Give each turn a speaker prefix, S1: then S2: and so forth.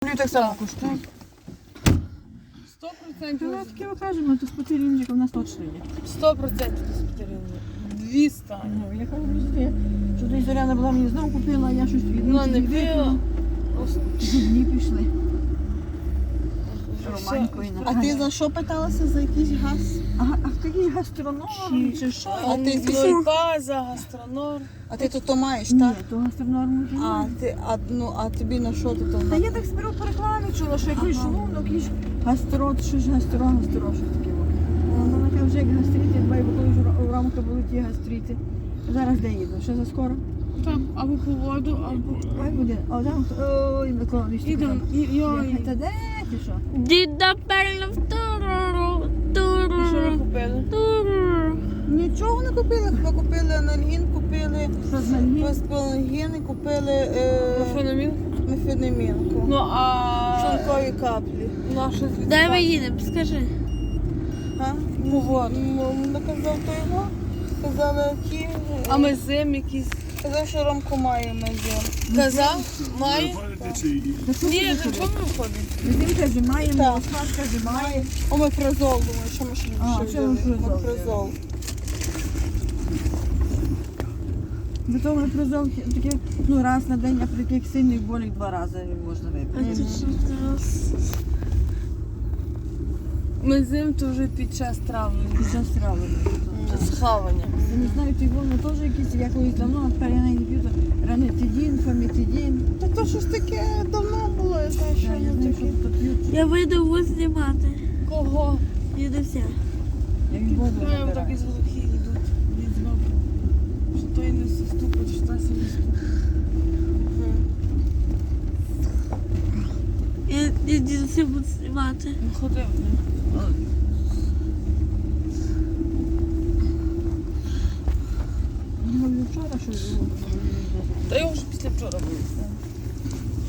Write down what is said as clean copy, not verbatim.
S1: тобі так само коштує.
S2: 100%.
S1: То ми таке кажемо, то спотирінчик у нас точно є.
S2: 100% спотеріння. 200.
S1: Ну, я кажу, що ти Зоряна була мені знову купила, а я щось від
S2: Ну, не пила.
S1: Дні пішли. Романькою
S3: А ти за що питалася? За якийсь газ?
S1: А такий гастроном чи що?
S3: А ти звідси?
S2: Нольпаза, гастронор.
S3: А ти тут то маєш,
S1: Ні,
S3: так?
S1: то гастроном вже
S3: А,
S1: немає.
S3: а тобі на що ти там?
S1: Та я так зберу по рекламі чула, що якийсь шлунок, якийсь гастрот, щось щось таке. Вона каже, вже як гастрити, дбай, бо коли ж у Ромка були ті гастрити. Зараз де їду? Ще за скоро?
S2: Там або по воду, або...
S1: Ой, буде. А там, ой, Микола, вічно.
S2: Ідем, йой.
S1: Та де ти що?
S4: Діда пельно в туруру,
S2: І що ви
S4: туруру,
S2: купили?
S4: туруру.
S3: Нічого не купили, ми купили анальгін, купили
S1: Розмальні.
S3: паспалангін і купили
S2: Профеномін?
S3: мефенемінку.
S2: Ну, а...
S3: Шлункові каплі.
S2: Наша звідси.
S4: Де ми їдемо, скажи.
S3: А?
S2: По воду.
S3: Наказав то його. Сказали, які.
S2: А ми зим якісь.
S3: Казав, що Ромко має медіа.
S2: Казав? Має?
S1: Та що
S2: Ні,
S1: ти
S2: за
S1: виходить?
S2: чому ми виходимо?
S1: Він каже, маємо,
S3: Так.
S1: Оскар каже, має.
S3: Омепразол, думаю, що ми ще
S1: А,
S3: ще
S1: що
S3: взяли?
S1: омепразол?
S3: Омепразол.
S1: Зато ми призов таке, ну, раз на день, а при таких сильних болях 2 рази можна
S4: А
S1: випити.
S4: ти що зараз?
S2: Ми зим то вже під час травлення.
S1: Під час травлення.
S2: Схавання.
S1: Я не знаю, той воно теж якийсь, я колись давно, а тепер я не п'ю, то ранетидін, фамітидін.
S3: Та то щось таке давно було, я знаю, що
S1: Я не знаю, що
S3: таке.
S1: тут п'ють.
S4: Я вийду вас знімати.
S2: Кого?
S4: Дідуся.
S1: Я від воду
S2: Знаємо, так
S1: набираю.
S2: із глухі йдуть. Від збоку. Що той не заступить, що та сі не ступить.
S4: Я дідуся буду знімати.
S2: Ну, ходив.
S1: Ну, вчора щось було.
S2: Та його вже після вчора було.